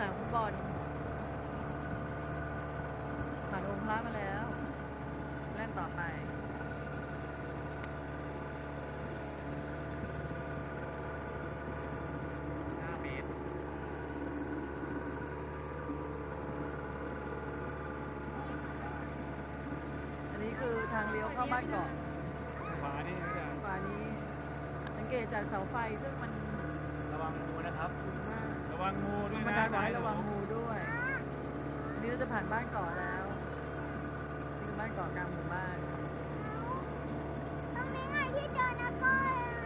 ามฟุตบอลผ่านองค์พระมาแล้วแล่นต่อไป 5 เมตรอันนี้คือทางเลี้ยวเข้าบ้านเกาะขวานี่ไม่ได้ขวานี้สังเกตจากเสาไฟซึ่งมันระวังงูนะครับสูงมากระวังงูด้วยมานะดามบอกให้ระวังงูด้วยอันนี้เราจะผ่านบ้านเกาะแล้วนี่คือบ้านเกาะกลางหมู่บ้านตรงนี้ไงที่เจอนะก้อยอ่ะ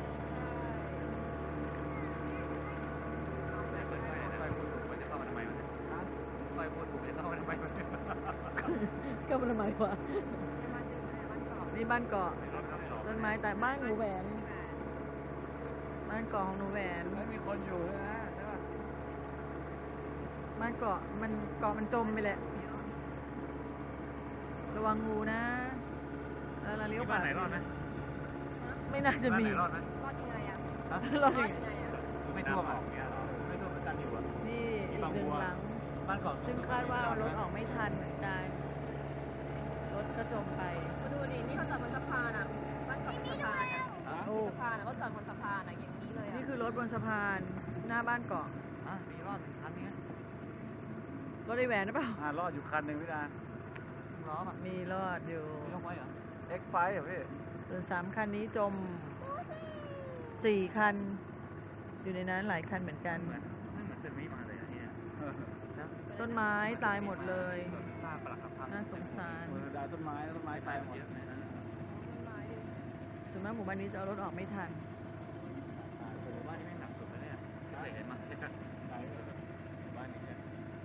แม่เปิดไฟนะไฟพูดถูกมันจะเข้ามาทำไมมันไฟพูดถูกมันจะเข้ามาทำไมมันก็มันทำไมวะนี่บ้านเกาะรถครับสองต้นไม้แต่บ้านหนูแหวนบ้านเกาะของหนูแหวนแล้วมีคนอยู่ด้วยนะใช่ป่ะบ้านเกาะมันจมไปแหละระวังงูนะแล้วเราเลี้ยวขวาบ้านไหนรอดไหมไม่น่าจะบ้านมีไหนรอดไหมรอดยังไงอ่ะฮะรอดยังไงไม่ท่วมอ่ะไม่ท่วมเหมือนกันอยู่อ่ะนี่อีกหนึ่งหลังบ้านเกาะซึ่งคาดว่ารถออกไม่ทันเหมือนกันรถก็จมไปมาดูดินี่เขาจอดบนสะพานอ่ะบ้านเกาะบนสะพานอ่ะโอ้สะพานอ่ะเขาจอดบนสะพานอ่ะอย่างนี้เลยอ่ะนี่คือรถบนสะพานหน้าบ้านเกาะมีรอด1 คันนี้รถไอแหวนหรือเปล่ารอดอยู่คันหนึ่งพี่ดาล้อป่ะมีรอดอยู่มีลงไว้เหรอ X5 เหรอพี่ส่วน3 คันนี้จม4 คัน อยู่ในนั้นหลายคันเหมือนกันเหมือนจะมีมาเลยนะเนี่ยต้นไม้ตายหมดเลยซากปลักหักพังน่าสงสารดาต้นไม้ตายหมดในนั้นส่วนมากหมู่บ้านนี้จะเอารถออกไม่ทันหมู่บ้านนี้ไม่หนักสุดเลยเนี่ยไม่เคยเห็นมาใช่ไหมบ้านนี้เนี่ย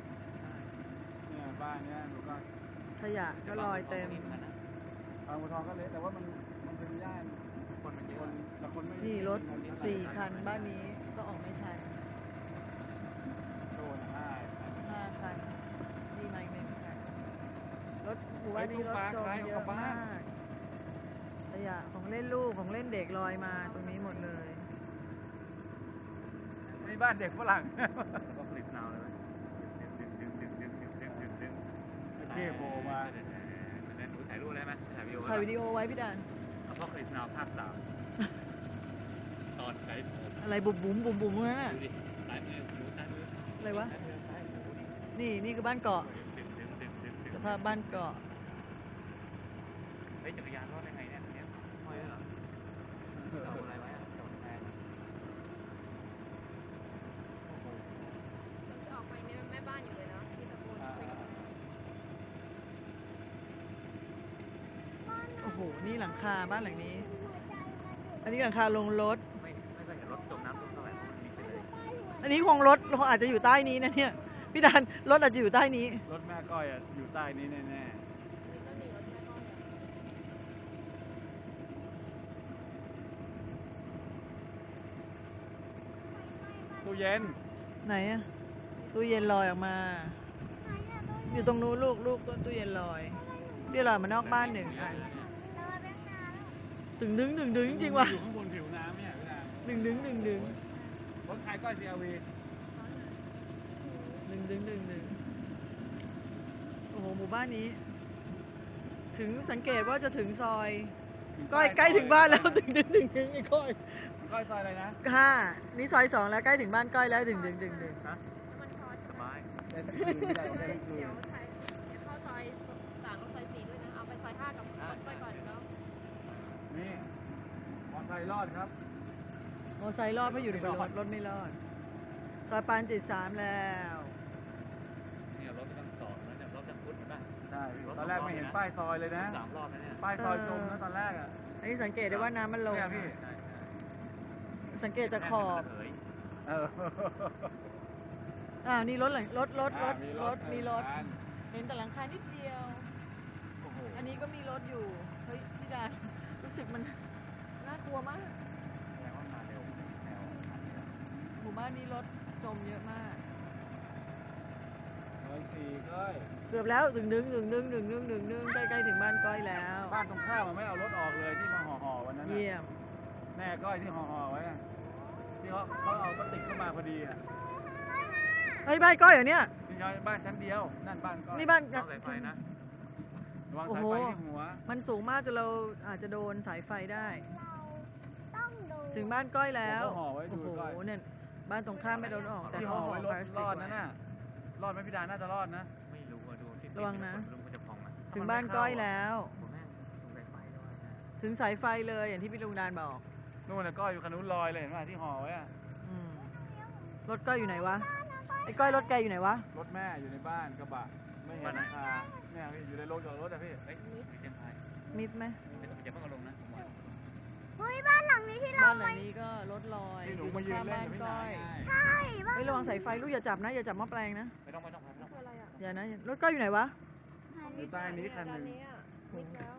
บ้านเนี้ยหนูก็ขยะก็ลอยเต็มบางบัวทองก็เละแต่ว่ามันเป็นย่านคนมันเยอะแต่คนไม่นี่รถ4 คันบ้านนี้ก็ออกไม่ทันโดน 5 คันนี่มาอีก1 คันรถหมู่บ้านนี้รถจมเยอะมากขยะของเล่นลูกของเล่นเด็กลอยมาตรงนี้หมดเลยนี่บ้านเด็กฝรั่งก็ผลิตนาวเลยดึงเท่โผล่มาหนูถ่ายรูปได้ไหมถ่ายวิดีโอถ่ายวิดีโอไว้พี่ดานพ่อคลิปนาวภาค 3ตอนใช้อะไรบุ๋มบุ๋มบุ๋มบุ๋มนั่นน่ะดูดิซ้ายมือหนูซ้ายมืออะไรวะซ้ายมือดินี่คือบ้านเกาะสภาพบ้านเกาะเฮ้ยจักรยานรอดได้ไงเนี่ยเนี่ยห้อยเหรอเอาอะไรไว้อะจอดแพงจะออกไปเนี่ยแม่บ้านอยู่เลยเนาะที่ตะโกนคุยกับแม่โอ้โหนี่หลังคาบ้านหลังนี้ อันนี้หลังคาลงรถไม่เคยเห็นรถจมน้ำเท่าไหร่มันมีไปเลยอันนี้คงรถอาจจะอยู่ใต้นี้นะเนี่ยพี่ดานรถอาจจะอยู่ใต้นี้รถแม่ก้อยอ่ะอยู่ใต้นี้แน่นี่ก็หนีรถแม่ก้อยๆตู้เย็นไหนอะตู้เย็นลอยออกมา อยู่ตรงนู้นลูกต้นตู้เย็นลอยเดี๋ยวลอยมานอกบ้าน1 อันเลยไปข้างหน้าแล้วดึงจริงๆว่ะอยู่ข้างบนผิวน้ำเนี่ยพี่ดาดึงรถใครก้อย CRV โอ้โหหมู่บ้านนี้ ถึงสังเกตว่าจะถึงซอยก้อยใกล้ถึงบ้านแล้วดึงไอ้ก้อยก้อยซอยอะไรนะนี่ซอย2แล้วใกล้ถึงบ้านก้อยแล้วดึงฮะน้ำมันพอสบายเดี๋ยวเข้าซอย3กับซอย4ด้วยนะเอาไปซอย5กับรถก้อยก่อนเนาะนี่มอไซค์รอดครับมอไซค์รอดเพราะอยู่ในรถไม่รอดซอยปานจิต3แล้วเนี่ยรถตั้ง2แล้วเนี่ยรถตั้งพุทธนะใช่ตอนแรกไม่เห็นป้ายซอยเลยนะ3 รอบแล้วเนี่ยป้ายซอยจมนะตอนแรกอ่ะอันนี้สังเกตได้ว่าน้ำมันลงพี่สังเกตจากขอบเออนี่รถมีรถอันเห็นแต่หลังคานิดเดียวโอ้โหอันนี้ก็มีรถอยู่เฮ้ยพี่ดารู้สึกมันน่ากลัวมากแสดงว่ามาเร็วแนวอันนี้นะหมู่บ้านนี้รถจมเยอะมาก 104ก้อยเกือบแล้วดึงใกล้ๆถึงบ้านก้อยแล้วบ้านตรงข้ามมันไม่เอารถออกเลยที่มาห่อวันนั้นเยี่ยมแม่ก้อยที่ห่อไว้ที่เขาเอาพลาสติกเข้ามาพอดีอ่ะเฮ้ยบ้านก้อยเหรอเนี่ยนี่ย้ายบ้านชั้นเดียวนั่นบ้านก้อยนี่บ้านต้องสายไฟนะระวังโอ้สายโหไฟที่หัวมันสูงมากจนเราอาจจะโดนสายไฟได้เราต้องดูถึงบ้านก้อยแล้วผมก็ห่อไว้ดูโอ้โหก้อยเนี่ยบ้านตรงข้ามไม่โดนออกแต่ที่เขาห่อห่อไว้รพถลาสติรกอดนะไว้น่ะรอดไหมพี่ดาน่าจะรอดนะไม่รู้อะดูที่ระวังนะลุงมันจะพองนะถึงบ้านก้อยแล้วผมแม่งสงสัยไฟด้วยนะถึงสายไฟเลยอย่างที่พี่ลุงดานบอกนู่นน่ะก้อยอยู่คันนู้นลอยเลยเห็นไหมที่ห่อไว้อะอืมรถก้อยอยู่ไหนวะไอ้ก้อยรถแกอยู่ไหนวะรถแม่อยู่ในบ้านกระบะไม่เห็นราคาเนี่ยพี่อยู่ในโรงจอดรถอะพี่เฮ้ยมีเชียงไทยมิดไหมเดี๋ยวอย่าเพิ่งเอาลงนะผมว่าเฮ้ยบ้านหลังนี้ที่เราบ้านหลังนี้ก็รถลอยที่หนูอยู่ตรมาง ยืนข้ามเล่นบ้านกับพี่ก้นาอยไงใช่บ้านไม่ระวังสายไฟลูกอย่าจับนะอย่าจับหม้อแปลงนะไม่ต้องคืออะไรอ่ะอย่านะรถก้อยอยู่ไหนวะอยู่ใต้นี้คันหนึ่งด้าอะมิดแล้ว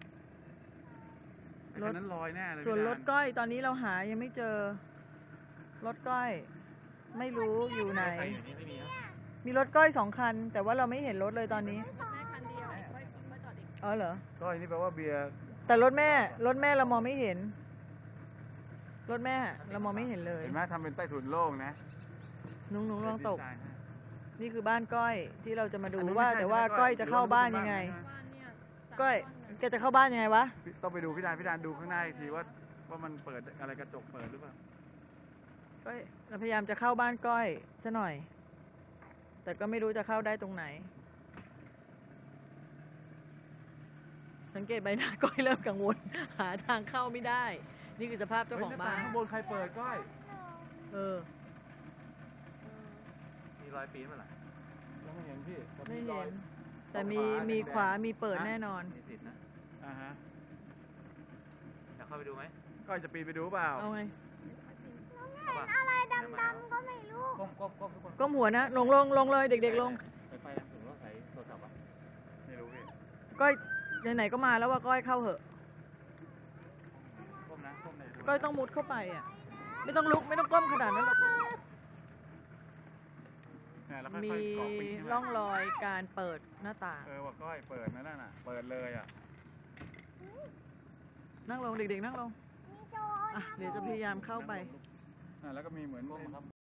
ไอ้คันนั้นลอยแน่เลยส่วนพี่รดาถก้อยตอนนี้เราหายังไม่เจอ รถก้อย ไม่รู้อยู่ไหนใครอยู่นี่ไม่มีครับมีรถก้อย2 คัน แต่ว่าเราไม่เห็นรถเลยตอนนี้รถแม่คันเดียวอีกค่อยจอดอีกอ๋อเหรอก้อยนี่แปลว่าเบียร์แต่รถแม่เรามองไม่เห็น รถแม่เรามองไม่เห็นเลยเห็นไหมทำเป็นใต้ถุนโล่งนะนุ้งลองตกดีไซน์ให้นี่คือบ้านก้อยที่เราจะมาดูอันนู้นว่าไม่ใช่แต่ว่าใช่ไหมก้อยจะเข้าบ้านหรือว่ายังไงบ้านเนี่ย3 ก้อยต้นแกจะเข้าบ้านยังไงวะต้องไปดูพี่ดานดูข้างหน้าอีกทีว่ามันเปิดอะไรกระจกเปิดหรือเปล่าก้อยเราพยายามจะเข้าบ้านก้อยซะหน่อย แต่ก็ไม่รู้จะเข้าได้ตรงไหน สังเกตใบหน้าก้อยเริ่มกังวล หาทางเข้าไม่ได้ นี่คือสภาพเจ้าของบ้านข้างบนใครเปิดก้อยเออมีรอยปีนมาหรอยังไม่เห็นพี่แต่ไม่รอเห็ยน แต่มีขวามีเปิดแน่นอนมีสิทธิ์นะอ่าฮะอยากเข้าไปดูไหมก้อยจะปีนไปดูเปล่าเอาไงเข้าป่ะอะไรดำๆก็ไม่รู้ก้มทุกคนก้มหัวนะลงเลยเด็กๆลงสายไฟนะถึงว่าสายโทรศัพท์อ่ะไม่รู้พี่ก้อยไหนๆก็มาแล้วว่าก้อยเข้าเหอะก้มนะก้มเลยก้อยต้องมุดเข้าไปอ่ะ ไม่ต้องลุกไม่ต้องก้มขนาดนั้นหรอกเนี่ยแล้วค่มีอยๆเกาะปีนขึ้นมาร่องรอยการเปิดหน้าต่างว่าก้อยเปิดนั่นน่ะ เปิดเลยอ่ะนั่งลงเด็กๆนั่งลงมีโจรอ่ะเดี๋ยวจะพยายามเข้าไปแล้วก็มีเหมือน